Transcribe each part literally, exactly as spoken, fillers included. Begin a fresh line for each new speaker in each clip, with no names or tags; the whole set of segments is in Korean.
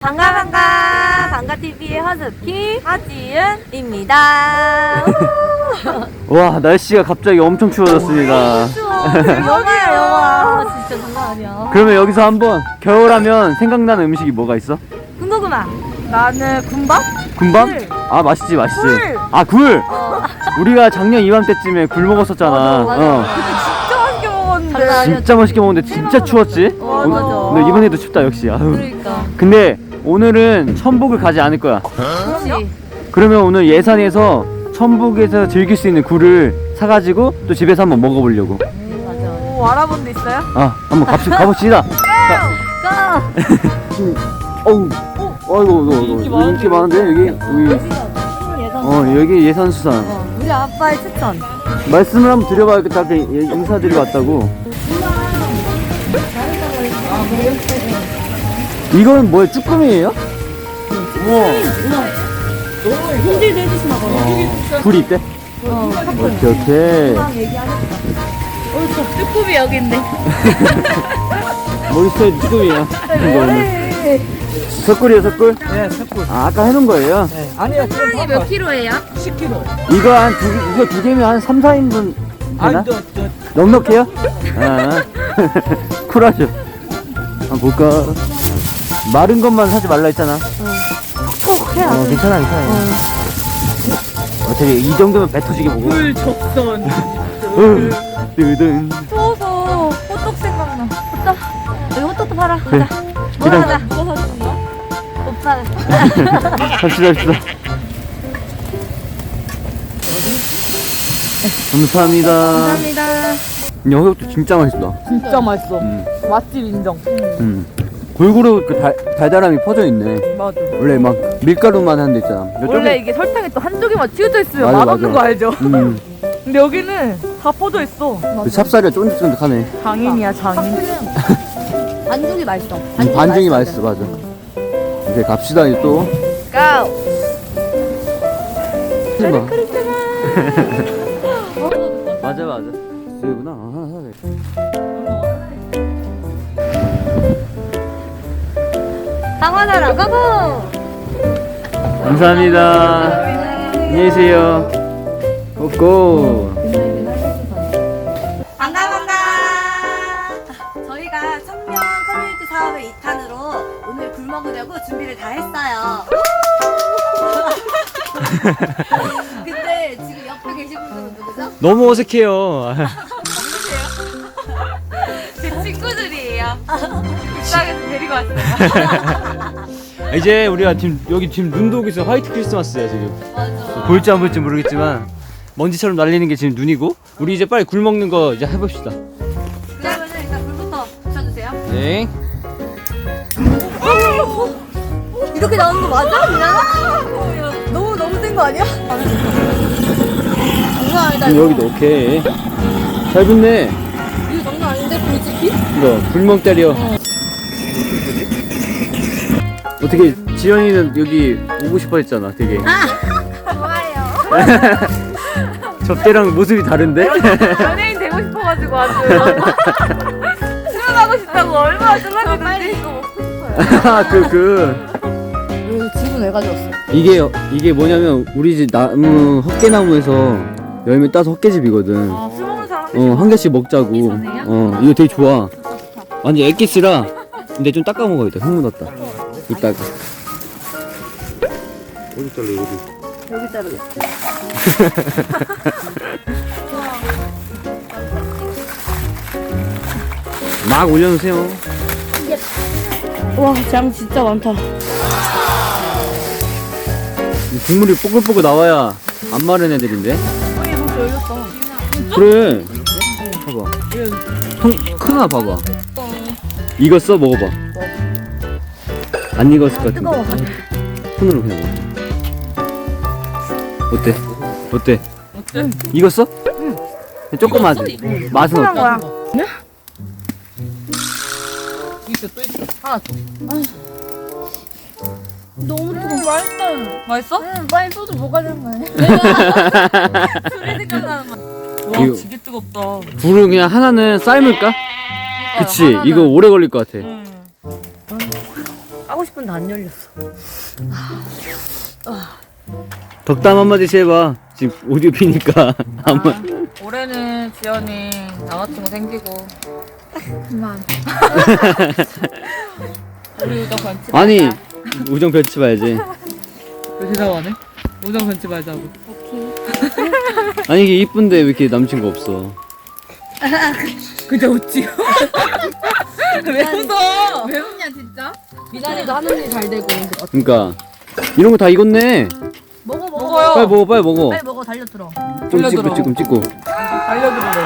반가 반가 반가티비의 허스키 하지은입니다.
와, 날씨가 갑자기 엄청 추워졌습니다.
추워. 영화야 영화. 진짜 장난 아니야.
그러면 여기서 한번 겨울하면 생각나는 음식이 뭐가 있어?
군고구마. 나는 군밥?
군밤?
굴.
아, 맛있지 맛있지.
굴.
아, 굴.
어.
우리가 작년 이맘때쯤에 굴 먹었었잖아.
맞아, 맞아.
어.
진짜 맛있게 먹었는데.
진짜 맛있게 먹었는데 진짜 추웠지?
어,
오-
맞아.
근데 이번에도 춥다 역시. 아유.
그러니까.
근데 오늘은 천북을 가지 않을 거야.
그렇지.
그러면 오늘 예산에서 천북에서 즐길 수 있는 굴을 사가지고 또 집에서 한번 먹어보려고.
맞아. 오, 알아본 데 있어요?
아, 한번 갑시, 가봅시다.
고!
지금, 어우, 어이구, 이거, 이거, 인기 많은데, 여기? 여기, 어, 여기 예산수산.
어, 우리 아빠의 추천.
말씀을 한번 드려봐야겠다. 그 인사드리고 왔다고. 이거는 뭐예요? 쭈꾸미예요? 우와.
손질도 해주시나 봐.
어, 굴이 있대?
어,
오케이, 오케이.
어, 저 쭈꾸미 여기 있네.
머릿속에 쭈꾸미야. 이거는. 석굴이에요, 석굴?
네, 석굴.
아, 아까 해놓은 거예요?
네. 아니요, 그럼
이게 몇 킬로예요?
십 킬로그램.
이거 한 두, 이거 두 개면 한 삼, 사 인분 되나?
아니, 저, 저,
넉넉해요? 아, 쿨하죠. 한번 볼까? 마른 것만 사지 말라 했잖아.
톡톡 해야
어,
돼.
괜찮아, 괜찮아. 어차피 이 정도면 배 터지게 먹어.
물 적선.
으, 뜨든.
추워서 호떡 생각나. 호떡. 여기 호떡도 팔아.
그래.
가자. 뭐라
그냥-
하자. 누가 사주는 거야? 오빠는.
갑시다, 갑시다. 감사합니다.
감사합니다.
여기도 진짜 맛있다.
진짜 맛있어.
음,
맛집 인정.
음. 골고루 그 달, 달달함이 퍼져 있네.
맞아.
원래 막 밀가루만 한 데 있잖아.
원래 이게 설탕이 또 한쪽에만 튀어져 있으면
맞아,
맛없는
맞아.
거 알죠?
음,
근데 여기는 다 퍼져 있어.
그 찹쌀이 쫀득쫀득하네.
장인이야, 장인.
반죽이 맛있어.
음, 반죽이 맛있어, 맞아. 이제 갑시다, 이제 또.
고!
해봐. 맞아, 맞아. 여기구나. 아, 하나 사야 돼.
강화나라 고고.
감사합니다. 안녕히 계세요. 고고.
반가 반가. 저희가 청년 커뮤니티 사업의 이 탄으로 오늘 굴 먹으려고 준비를 다 했어요. 근데 지금 옆에 계신 분들은 누구죠?
너무 어색해요.
제 친구들이에요. 불쌍해서 데리고 왔어요.
이제 우리가 지금 여기 지금 눈도 오고 있어. 화이트 크리스마스야 지금.
맞아.
볼지 안 볼지 모르겠지만 먼지처럼 날리는 게 지금 눈이고. 우리 이제 빨리 굴 먹는 거 이제 해봅시다.
그러면은 일단 불부터 붙여주세요.
네.
이렇게 나오는 거 맞아? 그냥? 너무 너무 센 거 아니야? 장난 아니다.
지금 여기도 오케이. 잘 붙네.
이거 장난 아닌데 불지피?
이거 불멍 때려. 어떻게 지연이는 여기 오고 싶어 했잖아. 되게.
좋아요.
접대랑 모습이 다른데?
연예인 되고 싶어가지고 아주. 수영하고 싶다고 얼마나 쫄랐는지.
아, 그, 그.
왜 집은 왜 가져왔어?
이게, 이게 뭐냐면, 우리 집 나무, 헛개나무에서 열매 따서 헛개집이거든.
아, 술 먹는 사람
어, 한 개씩 먹자고. 어, 이거 되게 좋아. 완전 액기스라. 근데 좀 닦아 먹어야겠다. 흙 묻었다. 이따가. 어디 잘라, 어디?
여기 자르겠어.
막 올려놓으세요.
와, 장 진짜 많다.
이 국물이 뽀글뽀글 나와야 안 마른 애들인데.
형이 너무 열렸어.
그래. 봐봐. 통, 큰 하나 봐봐. 익었어? 먹어봐. 안 익었을 것 같은데.
뜨거워.
손으로 그냥 먹어. 어때? 어때?
어때?
익었어? 응. 조금만 하지. 맛은 어때?
거야. 네? 있어, 또 있어. 하나 더.
너무 뜨거워.
맛있다. 맛있어?
응, 빨리 소주 뭐가 되는 거야?
술이 생각나는 맛. 와,
이거-
되게 뜨겁다.
불을 그냥 하나는 삶을까? 그치.
하나는-
이거 오래 걸릴 것 같아.
응.
하고 싶은 다 안 열렸어.
덕담 한마디씩 해봐. 지금 오디오 피니까. 한번.
아, 올해는 지연이 남자친구 생기고
그만.
우리 우정 변치
아니,
말자.
우정 펼치 봐야지.
왜 대답하네? 우정 변치 말자고.
아니, 이게 이쁜데 왜 이렇게 남친구 없어?
근데 어찌? 왜 웃어? 왜 웃냐 진짜?
미나리도 하는 일 잘 되고.
그니까. 이런 거 다 익었네.
먹어 먹어.
먹어요.
빨리 먹어, 빨리 먹어.
빨리 먹어 달려들어.
좀
돌려들어.
찍고, 찍고, 찍고.
알려드리래.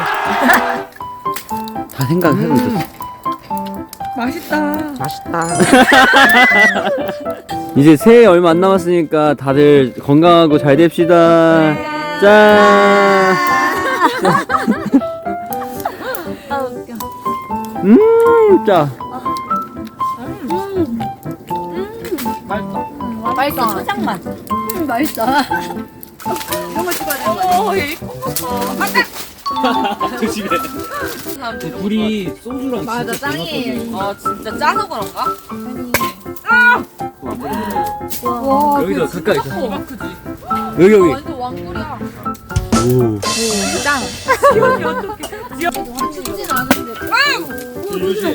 다 생각하고 있었어.
맛있다.
이제 새해 얼마 안 남았으니까 다들 건강하고 잘 됩시다. 짠!
아 웃겨.
음, 짜.
맛있다.
맛있어. 초장맛. 음 맛있어. 이런 거 찍어야 되는 거 아니야?
어, 얘 이뻐.
조심해. 불이 소주랑
맞아 짱이에요.
아 진짜 짜서 그런가?
와.
여기서 가까이 있어.
대박 크지?
여기, 여기.
완전 왕꿀이야.
오.
짱.
지연이 어떡해. 지연.
춥진 않은데.
조심.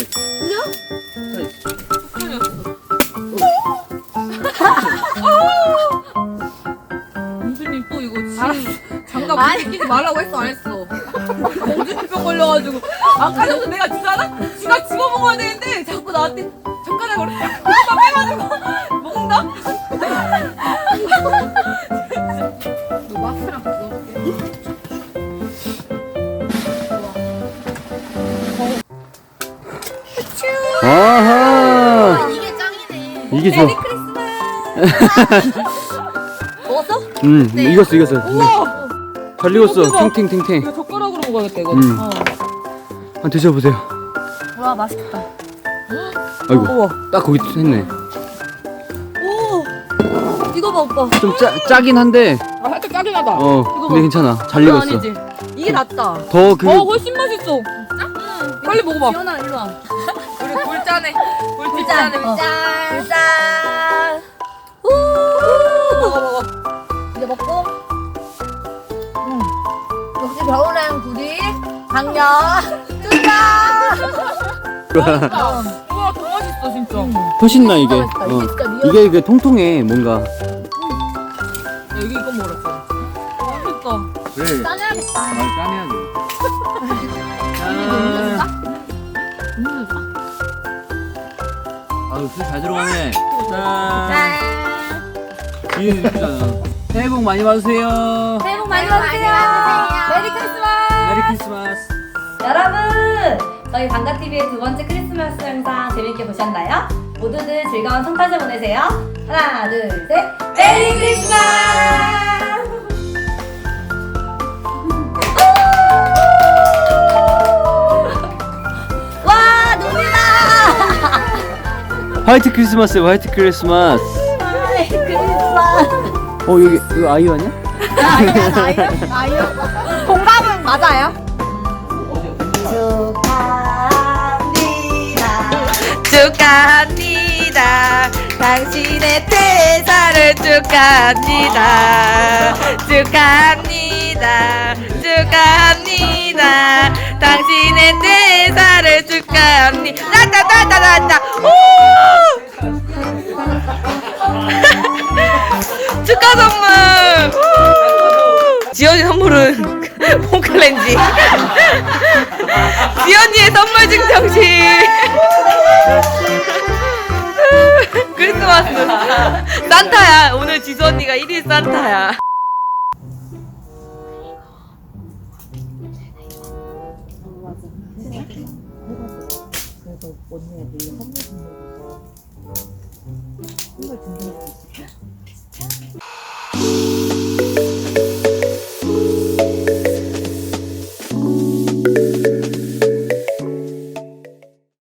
공주님 또 이거 지금 장갑
아니.
끼지 말라고 했어 안 했어? 공주병 걸려가지고 아까 전에 내가 주잖아? 지가 집어 먹어야 되는데 자꾸 나한테 젓가락으로 팍팍 빼가지고 먹는다? 너 마스크랑 넣어볼게.
아하.
이게 짱이네.
이게 좋아.
먹었어?
음, 익었어, 익었어.
우와!
잘 익었어.
대박.
탱탱탱탱.
이거 젓가락으로 먹어야겠다 이거.
음.
어.
한번 드셔보세요.
와 맛있겠다.
아이고,
우와.
딱 거기 했네.
오. 이거 봐 오빠.
좀 짜, 짜긴 한데,
아 살짝 짜긴 하다.
어,
이거
근데
봐.
괜찮아. 잘
그거
익었어.
아니지?
이게 낫다.
더 그,
어 훨씬 맛있어. 진짜? 빨리 먹어봐.
지연아 일로 와.
우리 굴짜네.
굴짠.
굴짜네
어.
굴짜.
굴짠. 우.
먹어 먹어.
이제 먹고. 음. 역시 겨울엔 굴이 강력. 짠.
우와 더 맛있어 진짜.
훨씬 나, 이게.
맛있다. 이게
어.
진짜 미역.
이게, 이게 통통해, 뭔가.
야, 여기 이거 먹으랬어. 맛있다.
그래.
짜내야겠다.
말 까내야 돼.
음료수 까?
아유, 술잘 들어가네. 짠.
짠.
이게 예쁘잖아. 새해 복 많이 받으세요.
새해 복 많이 받으세요. 메리 크리스마스.
메리 크리스마스.
여러분, 저희 방가티비의 두 번째 크리스마스 영상 재밌게 보셨나요? 모두들 즐거운 성탄절 보내세요. 하나, 둘, 셋. 메리 크리스마스! 와, 눈이다!
화이트 크리스마스, 화이트 크리스마스.
메리 크리스마스!
어, 여기, 이거 아이유 아니야?
아이유, 아이유, 아이유. 동갑은 맞아요? 축하합니다.
축하합니다. 당신의 퇴사를 축하합니다. 축하합니다. 축하합니다. 당신의 퇴사를 축하합니다. 나나나나나 오! 축하 선물. 우! 지연이 선물은 홈클렌지. 지연이의 선물 증정식. 크리스마스 산타야. 오늘 지수 언니가 일 일 산타야.
그래서 언니가 내일 선물 준비해서 선물 준비해서